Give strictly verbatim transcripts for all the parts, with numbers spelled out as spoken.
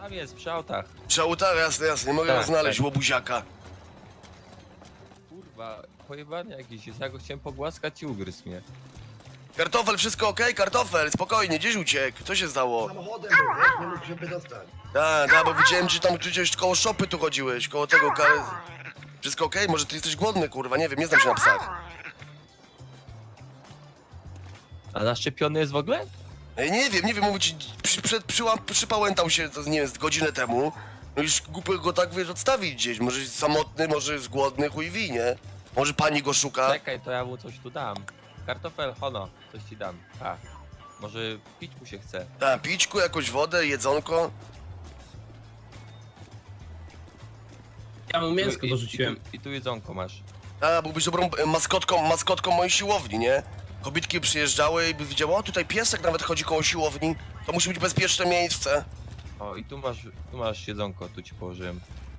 Tam jest, przy autach. Przy autach, jasne, jasne, nie mogę Tak, go znaleźć, tak. łobuziaka. Kurwa, pojebany jakiś jest, ja go chciałem pogłaskać i ugryzł mnie. Kartofel, wszystko okej? Kartofel, spokojnie, gdzieś uciekł? Co się stało? Samochodem był, wiesz, nie mógł się wydostać. Tak, tak, bo widziałem, że tam gdzieś koło szopy tu chodziłeś, koło tego kar... Wszystko okej? Może ty jesteś głodny, kurwa, nie wiem, nie znam się na psach. A zaszczepiony jest w ogóle? Ej, nie wiem, nie wiem, mówię ci, przy, przed, przyłam, przypałętał się, to nie wiem, z godzinę temu. No już głupio go tak, wiesz, odstawić gdzieś, może jest samotny, może jest głodny, chuj wie, nie? Może pani go szuka? Czekaj, to ja mu coś tu dam. Kartofel, hono, coś ci dam. A, może pić mu się chce. Tak, pićku, jakąś wodę, jedzonko. Ja mu mięsko I- dorzuciłem. I, tu, I tu jedzonko masz. A, byłbyś dobrą e, maskotką, maskotką mojej siłowni, nie? Kobietki przyjeżdżały i by widziały, o tutaj piesek nawet chodzi koło siłowni. To musi być bezpieczne miejsce. O, i tu masz, tu masz jedzonko, tu ci położyłem.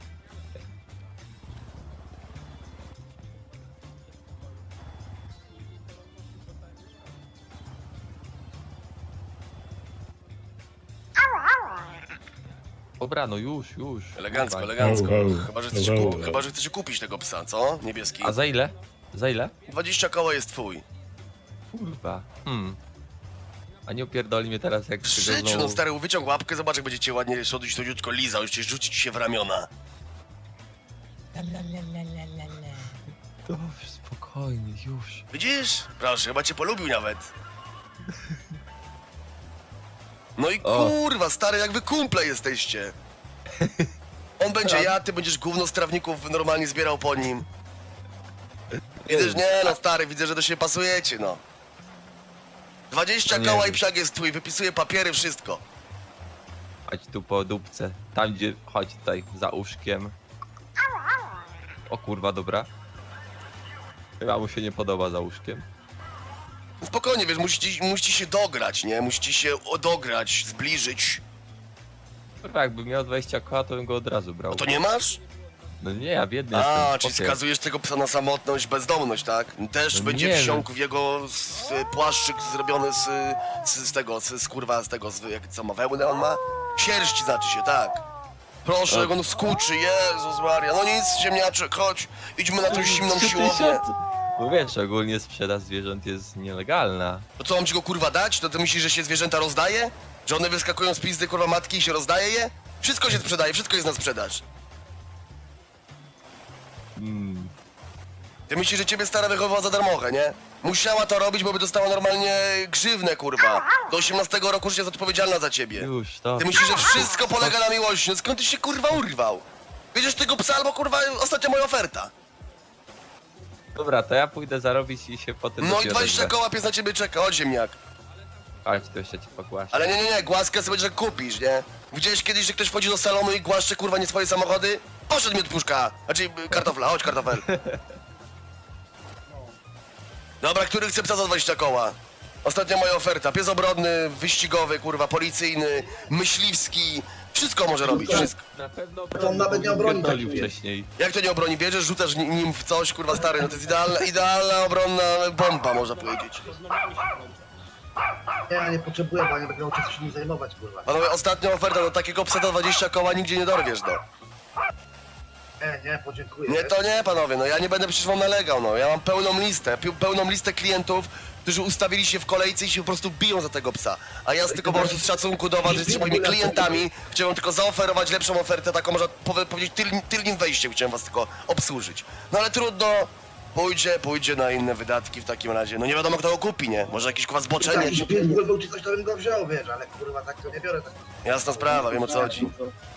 Dobra, no już, już. Elegancko, Kurwa. elegancko. Au, au. Chyba, że chcecie, Au, kup... au. Chyba, że chcecie kupić tego psa, co? Niebieski. A za ile? Za ile? dwadzieścia koła jest twój. Kurwa. Hmm. A nie opierdoli mnie teraz jak W tego życiu, znowu- no stary, wyciąg łapkę, zobacz jak będziecie ładnie szodzić to dziutko lizał, jeszcze rzuci ci się w ramiona. Dobrze, spokojnie, już. Widzisz? Proszę, chyba cię polubił nawet. No i O. kurwa, stary, jak wy kumple jesteście. On będzie ja, ty będziesz gówno z trawników normalnie zbierał po nim. Widzę, że nie no stary, widzę, że do siebie pasujecie, no. dwadzieścia Nie koła i wiem. psiak jest twój, wypisuję papiery, wszystko. Chodź tu po dupce. Tam gdzie, chodź tutaj, za uszkiem. O kurwa, dobra. Chyba mu się nie podoba za uszkiem. Spokojnie, wiesz, musicie, musicie się dograć, nie? Musicie się dograć, zbliżyć. Kurwa, jakbym miał dwadzieścia koła, to bym go od razu brał. No to nie masz? No nie, ja biedny A, jestem. czyli chłopie. skazujesz tego psa na samotność, bezdomność, tak? Też No będzie nie, wsiąkł w jego z, płaszczyk zrobiony z, z, z tego, z, z kurwa, z tego, z, jak, co ma wełnę on ma? Sierść znaczy się, tak. Proszę, jak on skuczy, Jezus Maria, no nic, ziemniaczek, chodź, idźmy na tą zimną Trzy siłownię. tysiące. Bo wiesz, ogólnie sprzedaż zwierząt jest nielegalna. To co, mam ci go kurwa dać? To ty myślisz, że się zwierzęta rozdaje? Że one wyskakują z pizdy kurwa matki i się rozdaje je? Wszystko się sprzedaje, wszystko jest na sprzedaż. Mm. Ty myślisz, że ciebie stara wychowała za darmochę, nie? Musiała to robić, bo by dostała normalnie grzywnę, kurwa. Do osiemnastego roku życia jest odpowiedzialna za ciebie. Już, to. Ty myślisz, że wszystko polega na miłości, no skąd ty się kurwa urwał? Wiedziesz tego psa albo kurwa ostatnia moja oferta. Dobra, to ja pójdę zarobić i się potem... No do i ciebie dwadzieścia odezwę. koła pies na ciebie czeka, chodź ziemniak. Chodź, to jeszcze ci pogłaszę. Ale nie, nie, nie, głaskę sobie że kupisz, nie? Widziałeś kiedyś, że ktoś wchodzi do salonu i głaszcze kurwa nie swoje samochody? Poszedł mi od puszka, znaczy y, kartofla, chodź kartofel. Dobra, który chce psa za dwadzieścia koła? Ostatnia moja oferta, pies obrodny, wyścigowy, kurwa, policyjny, myśliwski, wszystko może robić, wszystko. Na pewno To on nawet nie obroni pierdolił takich. wcześniej. Jak to nie obroni? Bierzesz, rzucasz ni- nim w coś, kurwa stary, no to jest idealna, idealna obronna bomba, można powiedzieć. Nie, ja nie potrzebuję, bo ja nie będę miał czasu się nim zajmować, kurwa. Panowie, ostatnia oferta, do takiego psa za dwadzieścia koła nigdzie nie dorwiesz, no. Nie, nie, podziękuję. Nie, to nie, panowie, no ja nie będę przecież wam nalegał, no. Ja mam pełną listę, pi- pełną listę klientów, którzy ustawili się w kolejce i się po prostu biją za tego psa. A ja z tylko po prostu z szacunku do was, że jesteście moimi klientami, chciałem tylko zaoferować lepszą ofertę, taką można powie- powiedzieć tyl, tylnym wejściem, chciałem was tylko obsłużyć. No ale trudno, pójdzie, pójdzie na inne wydatki w takim razie. No nie wiadomo kto go kupi, nie? Może jakiś kurwa Jak zboczenie, jakiś pies był czy coś, to bym go wziął, wiesz, ale kurwa tak to nie biorę. Tak. jasna sprawa, wiem o co chodzi.